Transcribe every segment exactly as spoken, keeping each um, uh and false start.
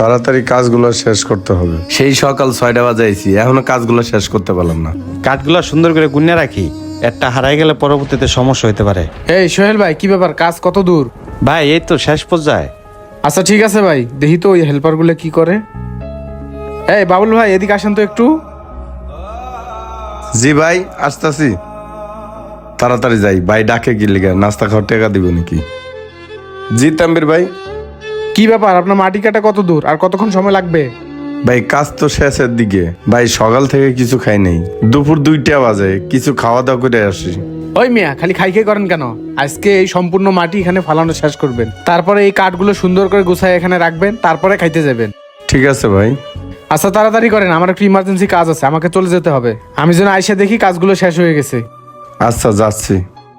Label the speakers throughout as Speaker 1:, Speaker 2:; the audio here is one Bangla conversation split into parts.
Speaker 1: তাড়াতাড়ি কাজগুলো শেষ করতে হবে। সেই সকাল ছয়টা বাজাইছি, এখনো কাজগুলো শেষ করতে পারলাম না।
Speaker 2: কাঠগুলো সুন্দর করে গুনে রাখি, একটা হারাই গেলে পরবর্তীতে সমস্যা হতে পারে।
Speaker 3: এই সোহেল ভাই, কি ব্যাপার, কাজ কত দূর?
Speaker 2: ভাই এই তো শেষ পর্যায়ে।
Speaker 3: আচ্ছা ঠিক আছে ভাই, দেখি তো ওই হেল্পার গুলো কি করে। এই বাবুল ভাই, এদিকে আসেন তো একটু।
Speaker 1: জি ভাই, আসতেছি। তাড়াতাড়ি যাই, ভাই ডাকে কি লিগা, নাস্তা খাওয়ার টাকা দিব নাকি? জি তাম্বির ভাই।
Speaker 3: কি ব্যাপার, আপনার মাটি কাটা কত দূর আর কতক্ষণ সময় লাগবে?
Speaker 1: ভাই কাজ তো শেষের দিকে, ভাই সকাল থেকে কিছু খাই নাই, দুপুর দুইটা বাজে, কিছু খাওয়া দাওয়া করে আসি।
Speaker 3: ওই মিয়া, খালি খাই খাই করেন কেন? আজকে এই সম্পূর্ণ মাটি এখানে ফালানো শেষ করবেন, তারপরে এই কাঠগুলো সুন্দর করে গুছায় এখানে রাখবেন, তারপরে খাইতে যাবেন।
Speaker 1: ঠিক আছে ভাই।
Speaker 3: আচ্ছা তাড়াতাড়ি করেন, আমার একটু ইমার্জেন্সি কাজ আছে, আমাকে চলে যেতে হবে। আমি যেন আইসা দেখি কাজগুলো শেষ হয়ে গেছে।
Speaker 1: আচ্ছা যাচ্ছি।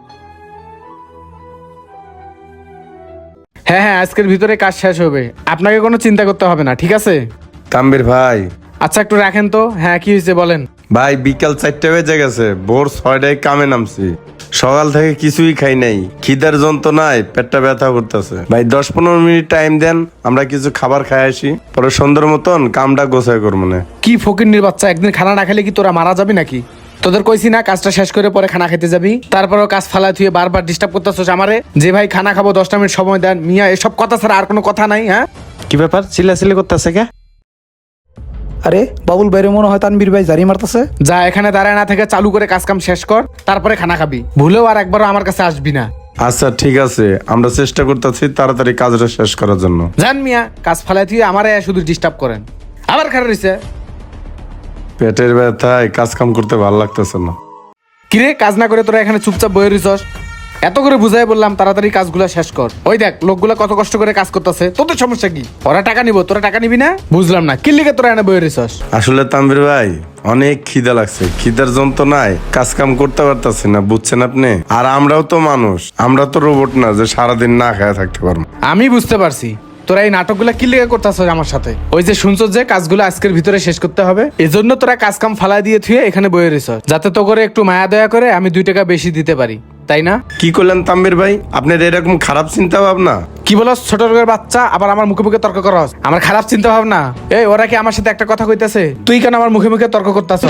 Speaker 3: হ্যাঁ হ্যাঁ, আজকের ভিতরে কাজ শেষ হবে, আপনাকে কোনো চিন্তা করতে হবে না, ঠিক আছে?
Speaker 1: তাম্বির ভাই।
Speaker 3: আচ্ছা একটু রাখেন তো। হ্যাঁ কি হয়েছে বলেন।
Speaker 1: ভাই বিকাল চারটে বেজে গেছে, ভোর ছয়টায় কামে নামছি, সকাল থেকে কিছুই খাই নাই, খিদার যন্ত্রণায় পেটটা ব্যথা করতেছে। ভাই দশ পনেরো মিনিট টাইম দেন, আমরা কিছু খাবার খাই আসি, পরে সুন্দর মতন কামটা গোছাই করবো না।
Speaker 3: কি ফকিন্নির বাচ্চা, একদিন খানা না খেলে কি তোরা মারা যাবি নাকি? তোদের কইছি না কাজটা শেষ করে পরে খানা খেতে যাবি, তারপরেও কাজ ফালাই থুয়ে বারবার ডিস্টার্ব করতেছস আমারে, যে ভাই খানা খাবো দশটা মিনিট সময় দেন। মিয়া এসব কথা ছাড়া আর কোনো কথা নাই? হ্যাঁ
Speaker 2: কি ব্যাপার, চিল্লাচিল্লি করতেছে কে?
Speaker 4: আরে বাবুল বাইরে মনে হয় তানবীর ভাই জারি মারতেছে।
Speaker 3: যা, এখানে দাঁড়ায় না থেকে চালু করে কাজ কাম শেষ কর, তারপরে খানা খাবি। ভুলেও আর একবারও আমার কাছে আসবি না।
Speaker 1: আচ্ছা ঠিক আছে, আমরা চেষ্টা করতেছি তাড়াতাড়ি কাজটা শেষ করার জন্য।
Speaker 3: জান মিয়া, কাজ ফালাই থুয়ে আমারে শুধু ডিস্টার্ব করেন। আবার খারাপ রয়েছে।
Speaker 1: পেটের ব্যথায় কাজ কাম করতে ভালো লাগতেছে না।
Speaker 3: কিরে, কাজ না করে তোরা এখানে চুপচাপ বয়ে রইছস? এত করে বুঝাই বললাম তাড়াতাড়ি কাজগুলো শেষ কর। ওই দেখ লোকগুলা কত কষ্ট করে কাজ করতেছে, তোদের সমস্যা কি? ওরা টাকা নিব, তোরা টাকা নিবি না? বুঝলাম না, কি লিগে তোরা এনে বয়ে রইছস?
Speaker 1: আসলে তাম্বির ভাই অনেক খিদা লাগছে, খিদার যন্ত্রণায় কাজ কাম করতে পারতাছি না, বুঝছেন আপনি? আর আমরাও তো মানুষ, আমরা তো রোবট না যে সারাদিন না খায় থাকতে পারবো।
Speaker 3: আমি বুঝতে পারছি তোরা এই নাটকগুলা কি লিগে করতেছ আমার সাথে। ওই যে শুনছো যে কাজগুলো আজকের ভিতরে শেষ করতে হবে, এজন্য তোরা কাজ কাম ফালাই দিয়ে থুয়ে এখানে বয়ে রইছস, যাতে তো করে একটু মায়া দয়া করে আমি দুই টাকা বেশি দিতে পারি, তাই না?
Speaker 1: কি করলেন তাম্বির ভাই, আপনার এরকম খারাপ চিন্তা ভাবনা?
Speaker 3: কি বলস ছোট লোকের বাচ্চা, আবার আমার মুখে মুখে তর্ক করস? আমার খারাপ চিন্তা ভাবনা? এই ওরা কি আমার সাথে একটা কথা কইতাছে, তুই কেন আমার মুখে মুখে তর্ক করতাছ?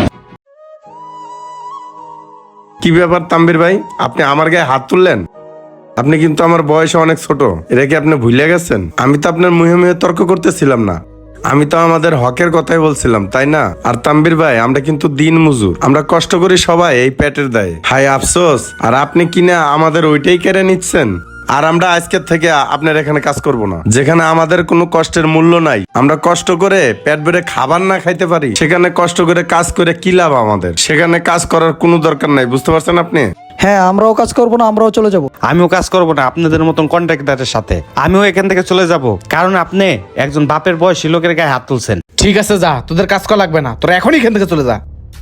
Speaker 1: কি ব্যাপার তাম্বির ভাই, আপনি আমার গায়ে হাত তুললেন? আপনি কিন্তু আমার বয়সে অনেক ছোট, এটা কি আপনি ভুলে গেছেন? আমি তো আপনার মুহে মুহে তর্ক করতেছিলাম না, আমি তো আমাদের হকের কথাই বলছিলাম, তাই না? আর তাম্বির ভাই আমরা কিন্তু দিন মজুর, আমরা কষ্ট করি সবাই এই পেটের দায়ে। হাই আফসোস, আর আপনি কিনা আমাদের ওইটাই কেড়ে নিচ্ছেন। আর আমরা আজকের থেকে আপনার এখানে কাজ করব না, যেখানে আমাদের কোনো কষ্টের মূল্য নাই। আমরা কষ্ট করে পেট ভরে খাবার না খাইতে পারি, সেখানে কষ্ট করে কাজ করে কি লাভ আমাদের? সেখানে কাজ করার কোনো দরকার নাই, বুঝতে পারছেন আপনি?
Speaker 4: হ্যাঁ আমরাও কাজ করবো না, আমরাও চলে যাব।
Speaker 2: আমিও কাজ করব না আপনাদের মতন কন্ট্রাক্টরের সাথে, আমিও এখান থেকে চলে যাব, কারণ আপনি একজন বাপের বয়সী লোকের গায়ে হাত তুলছেন।
Speaker 3: ঠিক আছে যা, তোদের কাজ করা লাগবে না, তোরা এখনই এখান থেকে চলে যা।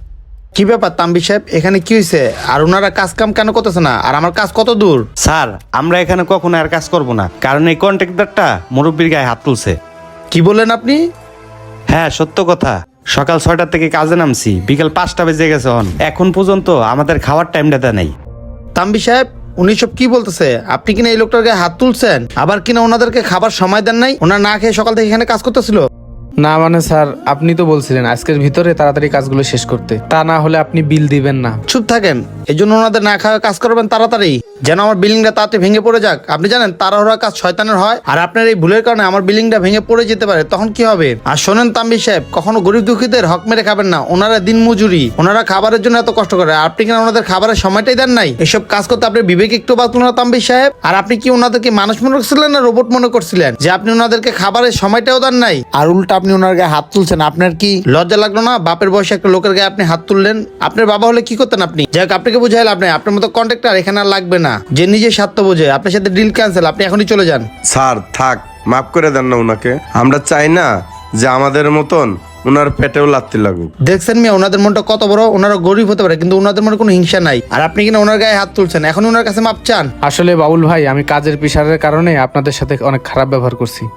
Speaker 5: কি ব্যাপার তাম্বির সাহেব, এখানে কি হয়েছে? আর ওনারা কাজ কাম কেন করতেছে না? আর আমার কাজ কত দূর?
Speaker 2: স্যার আমরা এখানে কখনো আর কাজ করব না, কারণ এই কন্ট্রাক্টরটা মুরব্বীর গায়ে হাত তুলছে।
Speaker 5: কি বললেন আপনি?
Speaker 2: হ্যাঁ সত্য কথা, সকাল ছয়টার থেকে কাজে নামছি, বিকাল পাঁচটা বেজে গেছে, হন এখন পর্যন্ত আমাদের খাওয়ার টাইমটা দেয় নাই।
Speaker 5: তাম্বির সাহেব উনি সব কি বলতেছে? আপনি কিনা এই লোকটার গায়ে হাত তুলছেন, আবার কিনা ওনাদেরকে খাবার সময় দেন নাই? ওনারা না খেয়ে সকাল থেকে এখানে কাজ করতেছিল।
Speaker 3: না মানে স্যার, আপনি তো বলছিলেন আজকের ভিতরে তাড়াতাড়ি কাজগুলো শেষ করতে, তা না হলে আপনি বিল দিবেন না।
Speaker 5: চুপ থাকেন, এই জন্য ওনাদের না খাওয়া কাজ করবেন তাড়াতাড়ি, যেন আমার বিল্ডিংটা তাড়াতাড়ি ভেঙে পড়ে যাক। আপনি জানেন তাড়াহুড়া কাজ শয়তানের হয়, আর আপনার এই ভুলের কারণে আমার বিল্ডিংটা ভেঙে পড়ে যেতে পারে, তখন কি হবে? আর শোনেন তাম্বির সাহেব, কখনো গরিব দুঃখীদের হক মেরে খাবেন না, ওনারা দিন মজুরি, ওনারা খাবারের জন্য এত কষ্ট করে, আর আপনি কিনা ওনাদের খাবারের সময়টাই দেন নাই। এসব কাজ করতে আপনার বিবেক একটু বাঁচল না তাম্বির সাহেব? আর আপনি কি ওনাদেরকে মানুষ মনে করছিলেন না রোবট মনে করছিলেন, যে আপনি ওনাদেরকে খাবারের সময়টাও দেন নাই, আর উল্টা আপনি ওনার গায়ে হাত তুলছেন? আপনার কি লজ্জা লাগলো না? বাপের বয়সে একটা লোকের গায়ে আপনি হাত তুললেন। আপনার বাবা হলে কি করতেন আপনি? যাই হোক, আপনাকে বুঝাইল, আপনি আপনার মতো কন্ট্রাক্টর এখানে আর লাগবে না, যে নিজে স্বার্থ বোঝে। আপনার সাথে ডিল ক্যান্সেল, আপনি এখনই চলে যান।
Speaker 1: স্যার থাক, মাফ করে দেন না ওনাকে, আমরা চাই না যে আমাদের মতন ওনার পেটেও লাত্তি লাগুক।
Speaker 5: দেখছেন মিয়া ওনাদের মনটা কত বড়, ওনারা গরিব হতে পারে কিন্তু ওনাদের মনে কোনো হিংসা নাই, আর আপনি কিনা ওনার গায়ে হাত তুলছেন, এখন ওনার কাছে মাপ চান।
Speaker 3: আসলে বাবুল ভাই, আমি কাজের প্রেশারের কারণে আপনাদের সাথে অনেক খারাপ ব্যবহার করছি।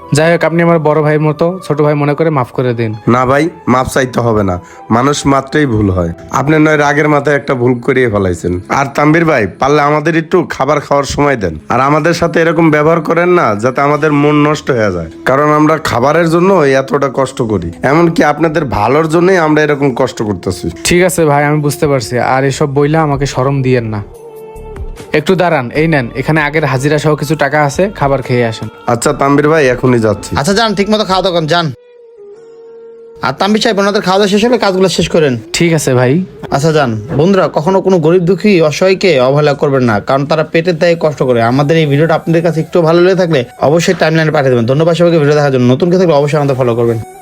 Speaker 3: যাই হোক, আপনি আমার বড় ভাই মতো, ছোট ভাই মনে করে মাফ করে দিন।
Speaker 1: না ভাই, মাপ চাইতে হবে না, মানুষ মাত্রই ভুল হয়। আপনি নয় রাগের মাথায় একটা ভুল করিয়ে ফেলাইছেন। আর তাম্বির ভাই, পারলে আমাদের একটু খাবার খাওয়ার সময় দেন, আর আমাদের সাথে এরকম ব্যবহার করেন না যাতে আমাদের মন নষ্ট হয়ে যায়, কারণ আমরা খাবারের জন্য এতটা কষ্ট করি, এমনকি আপনাদের ভালোর জন্যই আমরা এরকম কষ্ট করতেছি।
Speaker 3: ঠিক আছে ভাই, আমি বুঝতে পারছি, আর এসব বইলা আমাকে শরম দিয়েন না। একটু দাঁড়ান, এই নেন, এখানে আগের হাজিরা সহ কিছু টাকা আছে, খাবার খেয়ে আসেন।
Speaker 1: আচ্ছা তাম্বির ভাই, এখনই যাচ্ছি।
Speaker 5: আচ্ছা যান, ঠিক মতো খাওয়া দাওয়া করেন, যান। আর তাম্বির সাহেব, ওনাদের খাওয়া দাওয়া শেষ হলে কাজগুলো শেষ করেন।
Speaker 3: ঠিক আছে ভাই।
Speaker 5: আচ্ছা যান। বন্ধুরা, কখনো কোনো গরিব দুঃখী অসহায়কে অবহেলা করবেন না, কারণ তারা পেটের দায়ে কষ্ট করে। আমাদের এই ভিডিওটা আপনাদের কাছে একটু ভালো লেগে থাকলে অবশ্যই টাইমলাইনে পাঠিয়ে দেবেন। ধন্যবাদ সবাইকে ভিডিও দেখার জন্য। নতুন কেউ থাকলে অবশ্যই আমাদের ফলো করবেন।